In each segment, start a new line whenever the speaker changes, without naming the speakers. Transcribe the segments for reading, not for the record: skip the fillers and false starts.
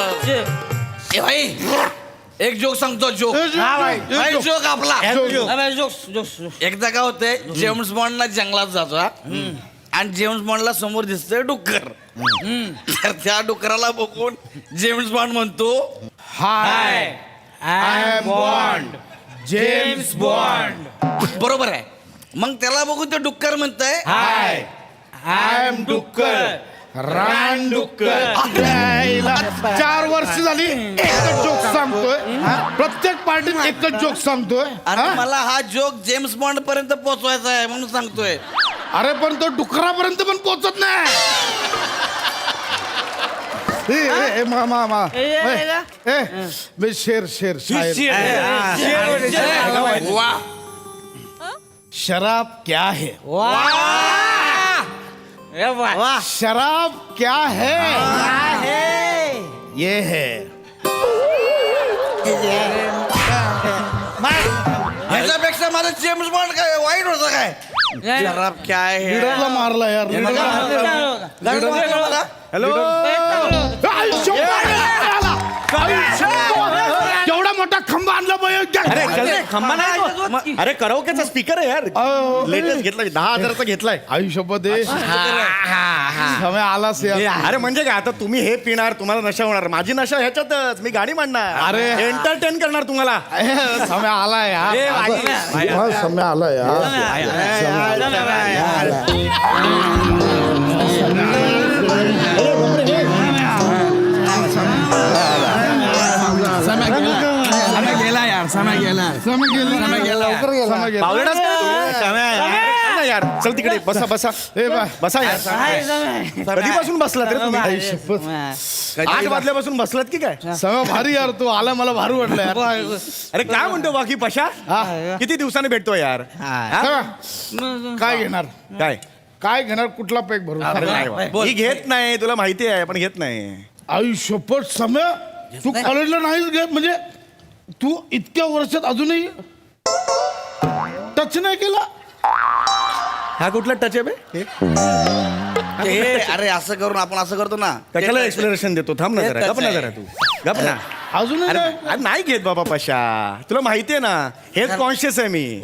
ए भाई एक जोक सांगतो जोक जोक आपला एकदा काय होतंय जेम्स बॉन्डला जंगलात जातो आणि जेम्स बॉन्डला समोर दिसतोय डुक्कर तर त्या डुकराला बघून जेम्स बॉन्ड म्हणतो
hi I am Bond James Bond.
बरोबर आहे. मग त्याला बघून ते डुक्कर म्हणतंय
हाय आय एम डुक्कर रान डुक्कर. 4 वर्ष झाली एकच जोक सांगतोय प्रत्येक पार्टीत एकच जोक सांगतोय.
अरे मला हा जोक जेम्स बॉन्ड पर्यंत पोहोचवायचा आहे म्हणून सांगतोय.
अरे पण तो डुकरापर्यंत पण पोहोचत नाही. मी शेर शेर
वाह
शराब क्या है शराब क्या है ये है
ह्याच्यापेक्षा माझं जेम्स बॉन्ड काय वाईट होतं काय शराब काय आहे
लीडरला मारला यार
हॅलो
केवढा मोठा खंबा आणला
अरे खंबा नाही अरे कराओकेचा स्पीकर आहे यार लेटेस्ट घेतलाय 10,000चा घेतलाय.
आयुष्यपत समय आलास यार.
अरे म्हणजे काय आता तुम्ही हे पिणार तुम्हाला नशा होणार माझी नशा ह्याच्यातच मी गाणी म्हणणार
अरे.
एंटरटेन करणार तुम्हाला.
समय आला यार समय आला
यार चल तिकडे बसा बसा बसा यार. कधीपासून बसलात रे तुम्ही 8 वाजल्यापासून बसलात की काय.
समय भारी यार तू आला मला भारी वाटलं यार.
अरे काय म्हणतो बाकी पशा किती दिवसाने भेटतो यार.
काय घेणार
काय
काय घेणार कुठला पॅक भरून
ही घेत नाही तुला माहिती आहे पण घेत नाही.
आयुष्यपट समय तू कॉलेजला नाहीच घेत म्हणजे तू इतक्या वर्षात अजूनही टच नाही केला.
हा कुठला टच आहे
अरे असं करून आपण असं करतो ना
कशाला एक्सप्लेनेशन देतो थांब ना जरा गप ना जरा तू गप ना.
अजूनही
अरे
नाही.
अरे नाही घेत बाबा पशा तुला माहितीये ना हेल्थ कॉन्शियस आहे मी.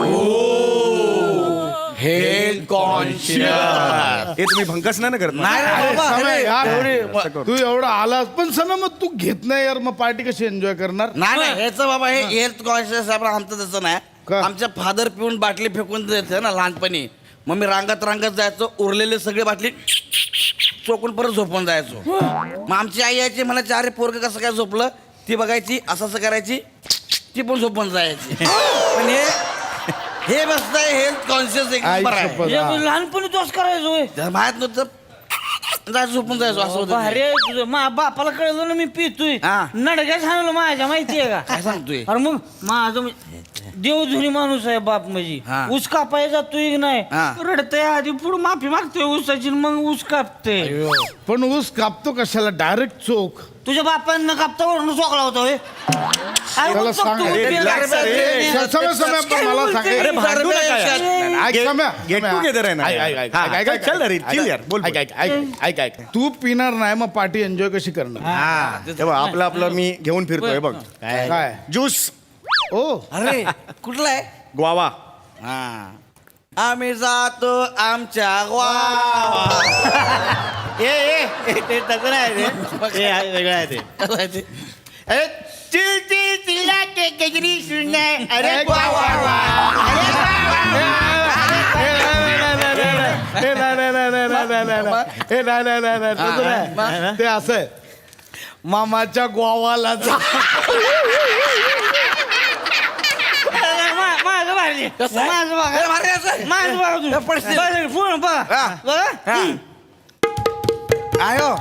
हेल्थ कॉन्शियस
हे तुम्ही भंकस नाही ना करत ना?
नाही रे बाबा,
समय
अरे,
यार तू एवढा आलास पण समय मग तू घेत नाही यार मग पार्टी कशी एन्जॉय करणार.
नाही ह्याचं बाबा हे हेल्थ कॉन्शियस आहे पण आमचं तसं नाही.
का?
आमच्या फादर पिऊन बाटली फेकून द्यायचे ना लहानपणी मग मी रांगत जायचो उरलेले सगळे बाटली चोकून परत झोपून जायचो. मग आमची आई यायची म्हणायची अरे पोरग कसं काय झोपलं ती बघायची असं करायची ती पण झोपून जायची. पण हे बसताय हेल्थ कॉन्शियस एक नंबर आहे.
आयुष्यपत
लहानपणी तोच करायचो
माहित नव्हतं जायचं झोपून जायचो असं होतं.
अरे तुझं बापाला कळलं ना मी पितोय
हा.
नडक्या सांगलं माझ्या माहितीये का
काय सांगतोय
अरे मग माझं देवधुनी माणूस आहे बाप म्हणजे
हा.
ऊस कापाय जातोय की नाही
हा.
रडतय आधी पुढे माफी मागतोय ऊसाची मग ऊस कापते
पण ऊस कापतो कशाला डायरेक्ट चोख.
तुझ्या बापांना कापता वरून चोकला होता होय. काय
त्याला
बोलतो
सांग
तू?
रे,
relax रे.
समय समय पण मला सांग
अरे भांडू नका यार.
ऐक समय
गेट टुगेदर आहे ना
ऐक, ऐक, ऐक,
हा,
ऐक, ऐक,
चल रे चिल यार बोल
ऐक ऐक ऐक ऐक ऐक तू पिणार नाही मग पार्टी एन्जॉय कशी करणार.
हे बघ आपलं आपलं मी घेऊन फिरतोय बघ
काय
ज्यूस
ओ
अरे कुठला आहे
ग्वावा.
हा आम्ही जातो आमच्या गावा.
ते तसं नाही वेगळं आहे ते.
कसं आहे ते?
अरे चिल चिल चिल्ला के गजरी सुनना अरे ग्वावा
ते असं आहे मामाच्या गोवाला जा.
माझं भारी
कसं आहे?
माझं बघा
अरे भारी असं आहे.
माझं बघा तुम्ही.
पडशील.
बघा, पूर्ण बघा.
हा.
बघा.
हा. आयो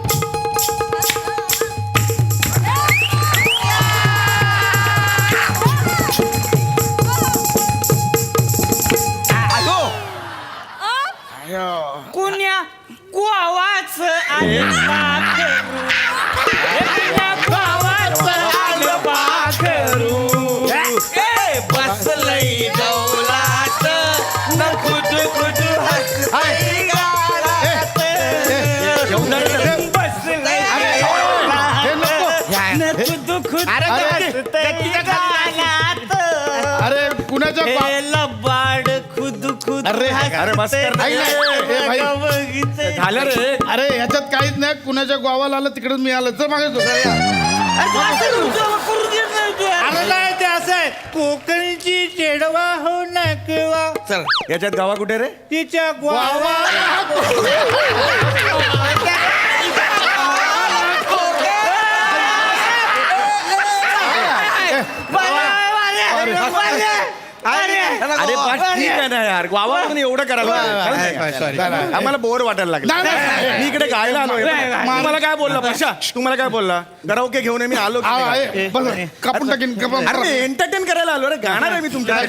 कुण्या गोवाच आलं बाकरू. कुण्या गोवाच आलं बाकरू. ए, बसलंय डौलात न खुद खुद हसतंय गालात. बसलंय
कुणाच्या
लबाड खुद खुद
अरे,
अरे बस कर ना.
ऐक ना, ए, भाई.
बघितलं
झालं रे.
अरे ह्याच्यात काहीच नाही कुणाच्या गावाला आलं तिकडे मी आलं चल मागे
अरे नाही ते असं आहे कोकणची चेडवा हो नकवा
चल
याच्यात गावा कुठे रे?
तिच्या ग्वावा
अरे पण ठीक आहे ना यार गावा म्हणून एवढं करायला लागलं. आम्हाला बोर वाटायला लागलं. मी इकडे गायला आलोय. मला काय बोलला पशा तुम्हाला काय बोलला कराओके घेऊन ये, मी आलो की नाही?
कापून टाकीन
अरे एंटरटेन करायला आलो रे गाणार आहे मी तुमच्या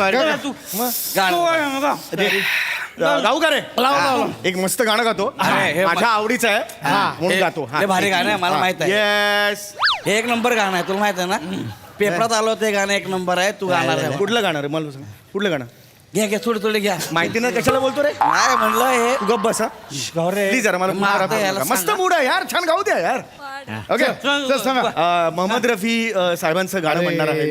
गाऊ का रे एक मस्त गाणं गातो माझ्या आवडीचं आहे म्हणून गातो.
हे भारी गाणं आहे मला माहित आहे
येस.
हे एक नंबर गाणं आहे तुला माहित आहे ना पेपरात आलो ते गाणं एक नंबर आहे तू गाणार आहे
कुठलं गाणं रे मला सांग कुठलं गाणं
घ्या घ्या थोडी थोडी घ्या
माहिती नाही कशाला बोलतो रे
नाही म्हणलं हे
तू गप बसा प्लीज जरा मला
मारतं याला
मस्त
सांगा.
मूड आहे यार छान गाऊ द्या यार ओके मोहम्मद रफी साहेबांचं गाणं म्हणणार आहे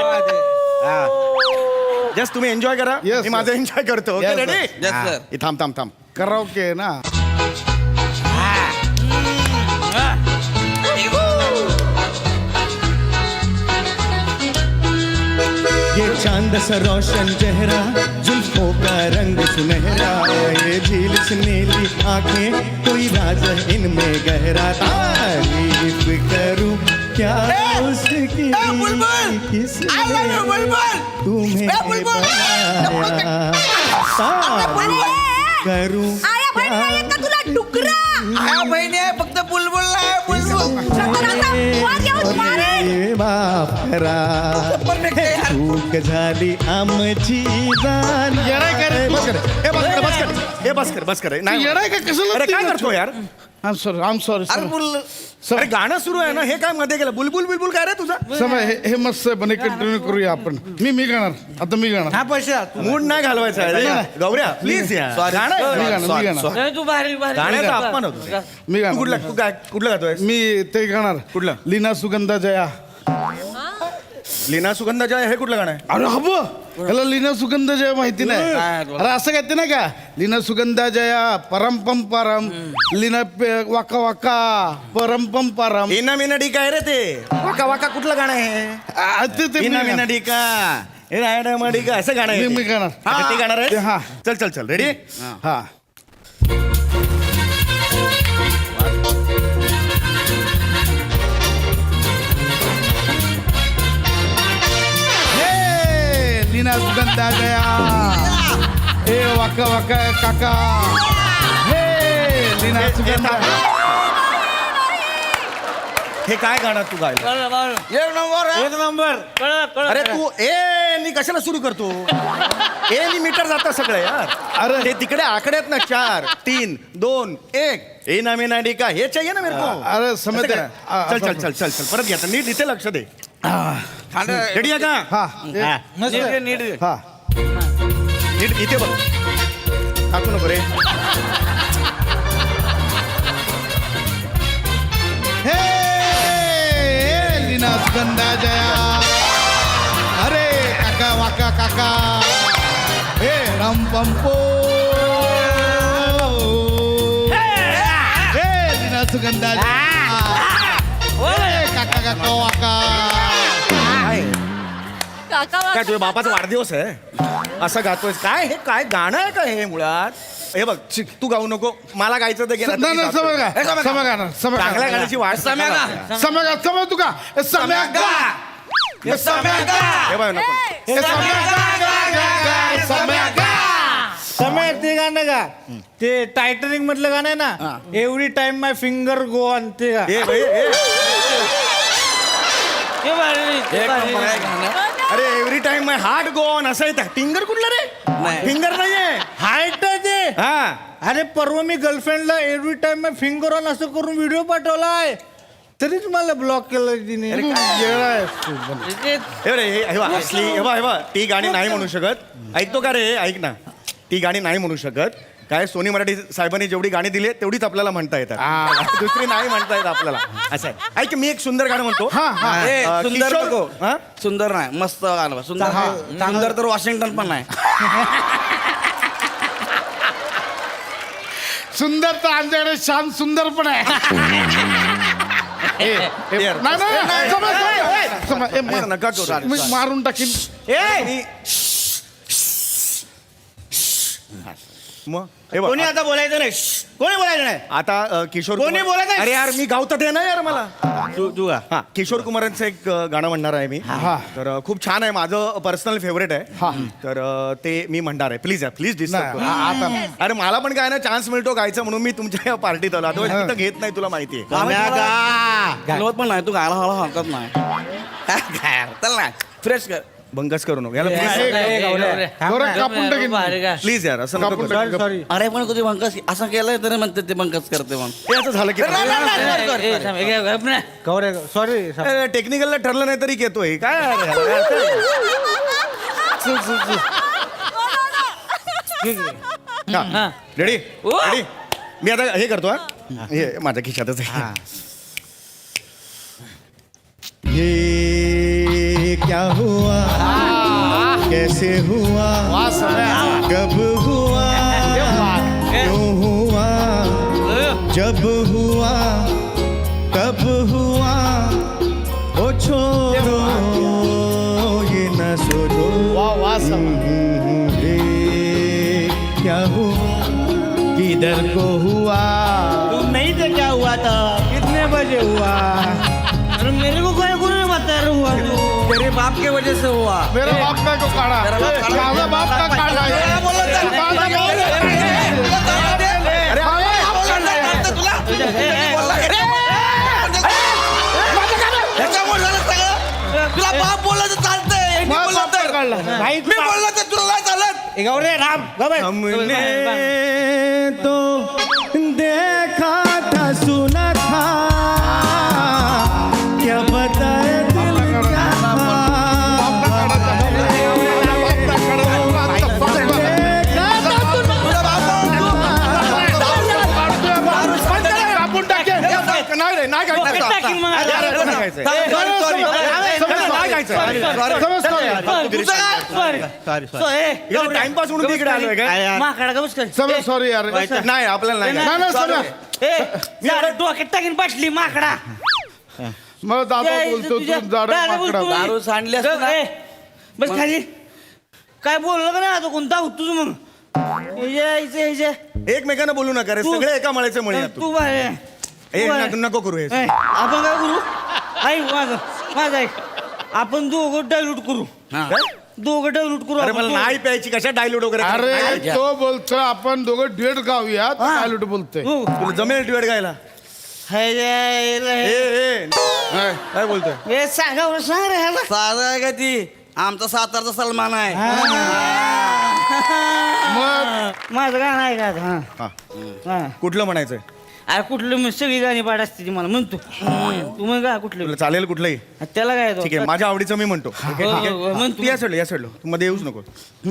जस्ट तुम्ही एन्जॉय करा
Yes,
मी माझं एन्जॉय करतो okay
Yes,
ready
Yes, sir.
थांब थांब थांब
कराओके ना
ये चांद सा रोशन चेहरा जुल्फों का रंग सुनहरा ये झील से नीली आंखें कोई राज है इनमें गहरा तारीफ करूं क्या उसकी किसने तुम्हें बनाया करूं
आया बहीण नाहीये का तुला डुकरा
आया बहिणी आहे फक्त बुलबुल नाही बुलबुल
वर येऊन मारेन.
ये बापरा चूक झाली आमची जाण
बस कर हे बस कर बस कर हे बस कर बस कर नाही
येडाय का कसं
अरे काय करतो यार
आम सॉरी
अरे बुल
अरे गाणं सुरू आहे ना हे काय मध्ये गेलं बुलबुल बिलबुल काय रे तुझा
समय हे मस्त आहे पण हे कंटिन्यू करूया आपण मी गाणार आता मी गाणार
हा पैसा
मूड नाही घालवायचा आहे रे. गौऱ्या प्लीज यार गाणं आहे.
मी गाणार मी गाणार
तू भारी भारी
गाण्याचा अपमान होतो
मी
तू
गाणार
कुठला तू काय कुठलं गातोय
मी ते गाणार
कुठलं?
लीना सुगंधा जया
लीना सुगंधा जय हे कुठलं गाणं आहे
अरे हब ह्याला लीना सुगंधा जया माहिती नाही अरे असं कहते ना का लीना सुगंधा जया परम पम परम लीना वाका वाका परम पम परम
मीना मीना डी काय रे ते वाका वाका कुठलं गाणं आहे
ते
मीना मीना डी का हे रायडा मडी का असं गाणं आहे
मी
ते.
गाणार.
अच्छा, ते गाणार आहे
हा.
चल चल चल रेडी
हा हे, लीना सुगंधा जया ए वाका वाका काका हे लीना सुगंधा
हे काय गाणं तू गायलं
एक नंबर आहे.
एक नंबर
अरे तू ए नी कशाला सुरू करतो ए नी मीटर जातं सगळं यार
अरे.
ते तिकडे आकडे आहेत ना 4 3 2 1 ए ना मीना डी का हे चाहिए ना मेरे को
अरे समय
असं करा. चल चल चल चल चल परत घ्या नीट इथे लक्ष दे रेडी आहे का
हा
नीट
हा
नीट इथे बघ टाकू नको रे
हे लीना सुगंधा जया अरे काका वाका काका हे राम पंपो हे लीना सुगंधा जया हे काका काका वाका
काका
काय तुझ्या बापाचा वाढदिवस आहे असं गातोय काय हे काय गाणं आहे का हे मुळात हे बघ तू गाऊ नको मला गायचं तर गेलं
नाही नाही समय
हे समय
समय गाणार समय
चांगल्या गाण्याची वाट
सम्या गा.
समय गा समय तू का हे समय गा
हे सम्या गा.
हे बघ नको
हे समय गा समय गा
समय ते गाणं का ते टायटनिक मधलं गाणं आहे ना every time my finger go on ते गा.
हे भाई
ते भारी, ते
एक
भारी.
नंबर आहे गाणं.
अरे every time my heart go on असं येतं फिंगर कुठलं रे
नाही.
फिंगर नाहीये
हाईट आहे ते
हा
अरे परवा मी गर्लफ्रेंडला every time my finger on असं करून व्हिडिओ पाठवलाय तरीच मला ब्लॉक केलं तिने
येडा आहे तू.
हे रे हे बघ, असली हे बघ ती गाणी नाही म्हणू शकत ऐकतो का रे ऐक ना ती गाणी नाही म्हणू शकत काय सोनी मराठी साहेबांनी जेवढी गाणी दिली आहेत तेवढीच आपल्याला म्हणता येतात दुसरी नाही म्हणता येत आपल्याला असं आहे. ऐक मी एक सुंदर गाणं म्हणतो.
ए, सुंदर
किशोर-
नको.
हा?
सुंदर नाही, मस्त गाणं बा. सुंदर सुंदर तर वॉशिंग्टन पण नाही.
सुंदर तर आमच्याकडे श्याम सुंदर पण आहे. नाही, नाही, नाही, समज.
नका करू.
मी मारून टाकीन.
मग हे बघ,
कोणी आता बोलायचं नाही कोणी बोलायचं नाही
आता किशोर
कोणी
कुमार-
बोलत आहे?
अरे यार मी गावतं ते ना यार मला
तू
हा किशोर कुमारांचं एक गाणं म्हणणार आहे मी. तर खूप छान आहे, माझं पर्सनल फेवरेट आहे. तर ते मी म्हणणार आहे. प्लीज प्लीज डिस्टर्ब
नाही, आता
अरे मला पण काय ना चान्स मिळतो गायचं म्हणून मी तुमच्या या पार्टीत आलो. आता तिथं घेत नाही, तुला माहिती आहे.
हलवत पण नाही, तू गायला हळू हलकत नाही. काय चल ना, फ्रेश कर.
बंगच करू नको याला
बरं, कापून टाकीन.
प्लीज यार असं नको
कापून
करू.
टाकीन.
सॉरी
अरे पण कधी बंकस असं केलंय तरी म्हणते ते बंकस करते मग.
हे असं झालं की
गौरे सॉरी
टेक्निकलला ठरलं नाही तरी येतोय काय यार? हा रेडी रेडी मी आता हे करतो हा. हे माझ्या खिशातच आहे.
ये क्या हुआ कैसे हुआ कब हुआ क्यों हुआ जब हुआ कब हुआ ओ छोड़ो ये न सोचो ये क्या हुआ किधर को हुआ
तुम नहीं थे क्या हुआ था कितने बजे हुआ अरे मेरे को कोई नहीं बता रहा हुआ तू
तेरे बाप के वजह से हुआ.
मेरा बाप काय को काढा. माझा बाप का काढला. माझा
तुला बाप बोलला तर चालतंय. मी बोलला तर
भाई
मी बोलला तर तुला नाही चालत.
गौरे राम गौरे
हमने तो देखा था सुना था क्या बताए दिल क्या
कापून टाकेन.
नाही रे नाही
टाकीन मग.
खायचं टाइमपास म्हणून तिकडे आलोय काय
माकडा गवस कर
समज, सॉरी यार.
नाही आपल्याला नाही
नाही, नाही, समज.
मी डोक्यात टाकीन बाटली माकडा
मग दादा बोलतो तू जाड माकडा.
दारू सांडली असती ना.
बस खाली काय बोललो का नाही आता कोणता होतो तू मग
एकमेकांना बोलू नका रे, सगळे एका मळ्याचे मळे आहेत.
तू बाहेर
ए, नको करू हे.
आपण काय करू ऐक माझं ऐक आपण दोघं डायल्यूट करू दोघं डायल्यूट करू
अरे
आपण
मला नाही प्यायची कशा डायलूट वगैरे
अरे तो बोलतो आपण दोघं डेट गाऊया. काय बोलतोय.
हो.
तुला जमेल ड्युएट गायला ए काय बोलतोय
हे सांगा सांग रे ह्याला
साधा आहे का ती आमचा सातारचा सलमान आहे.
मग
माझं गाणं आहे का हा
हा
हा
कुठलं म्हणायचंय
अरे कुठलं मी सगळी गाणी पाठ असते ती मला म्हणतो तू मग का कुठलं
तुला चालेल कुठलंही
त्याला काय येतो?
ठीक आहे माझ्या आवडीचं मी म्हणतो ठीक आहे, ठीक
हो,
आहे?
म्हण
तू या सोडलं तू मध्ये येऊच नको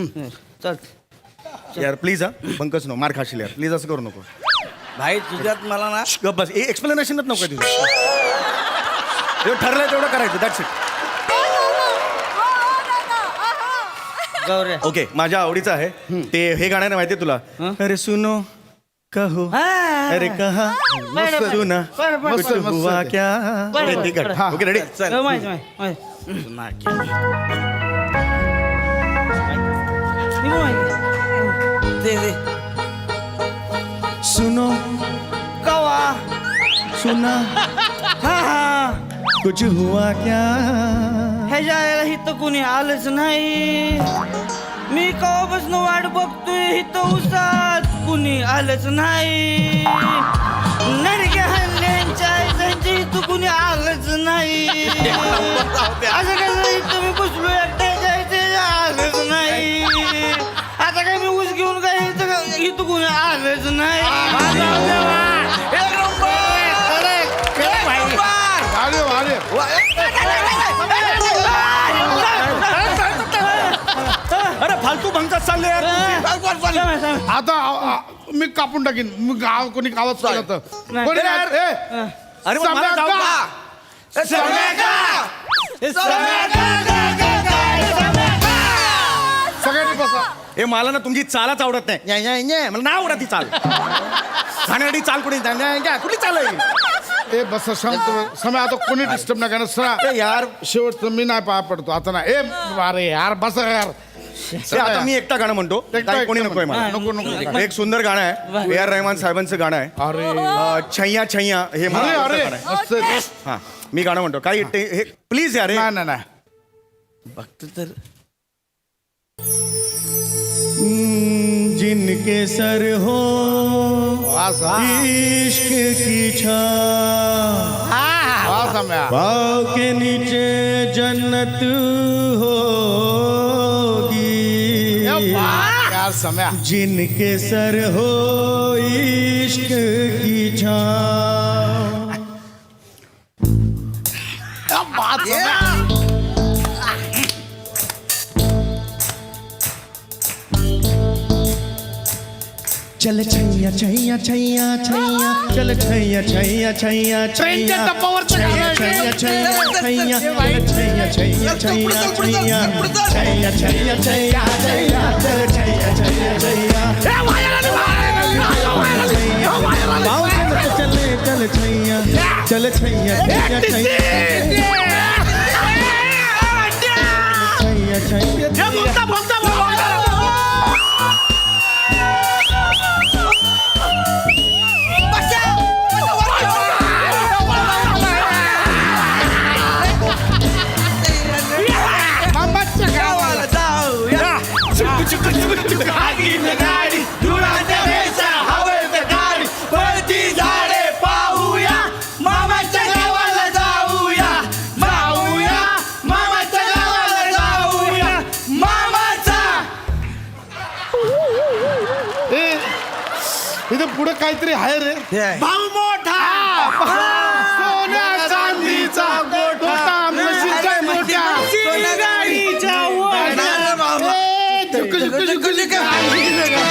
चल
यार प्लीज हा बंकच नो मार खाशील यार प्लीज असं करू नको
भाई तुझ्यात मला ना
गप बस एक्सप्लेनेशनच नको तुझं जेवढं ठरलंय तेवढं करायचं दॅट्स इट.
गौऱ्या
ओके माझ्या आवडीचं आहे ते हे गाणं आहे माहितीये तुला अरे सुनो कहो अरे कहा सुना
मस्त,
कुछ
मस्त.
हुआ क्या
बरं,
अरे,
बरं,
ठीक आहे.
बरं.
ओके रेडी
माहिती
सुनो
कवा
सुना
हा हा
कुछ हुआ क्या
ह्याच्या इथं कोणी आलंच नाही मी कवापासून वाट बघतोय इथं उसात कुणी आलंच नाही नडक्या हल्ल्यांच्या त्यांच्या इथं कुणी आलंच नाही असं कसं इथं मी बसलो एकट्याच्या इथे आलंच नाही आता काय मी ऊस घेऊन काय इथं कुणी आलंच नाही
अरे अरे
अरे फालतू भंकच चालले यार
आता मी कापून टाकीन मी गाव कोणी गावात
चालेल.
चालत कोणी
यार.
ए,
अरे मग मला जाऊ का?
सगळ्यांनी बसा
ए मला ना तुमची चालच आवडत नाही न्या, न्या, न्या. मला नाही आवडत ती चाल खाण्यासाठी चाल कुठे न्या, न्या, न्या. कुठली चाल आहे?
ए बस शांत समय आता कोणी डिस्टर्ब नाही करणार सरा
ए, यार
शेवटचं मी नाही पाया पडतो आता नाही ए अरे यार बस यार
ए, आता मी एकटा गाणं म्हणतो काही कोणी नकोय मला
नको नको
एक सुंदर गाणं आहे A.R. रहमान साहेबांचं गाणं आहे
अरे
छैया छैया हे मला
अरे
आवडतं
अरे
गाणं आहे.
मस्त आहे.
हा मी गाणं म्हणतो काही हे प्लीज यार हे.
नाही नाही नाही
बघतो तर
जिनके सर हो
वास हा.
इश्क की छां
वास सम्या.
पाँव के नीचे जन्नत होगी
यार सम्या
जिनके सर हो इश्क की छां
बात सम्या.
चल छैया छैया छैया छैया चल छैया छैया छैया
ट्रेनच्या
छैया
टप्पावरचं गाणं आहे.
छैया छैया छैया चल छैया छैया छैया छैया छैया छैया छैया छैया चल छैया छैया छैया पाँव के नीचे चले चल छैया चल छैया छैया छैया छैया छैया
मामाच्या गावाला ए, इथं पुढे काहीतरी आहे रे
भाऊ मोठा
सोन्या चांदीचा गोठा म्हशीचा गोठा. ए, झुक, झुक, झुक, झुक.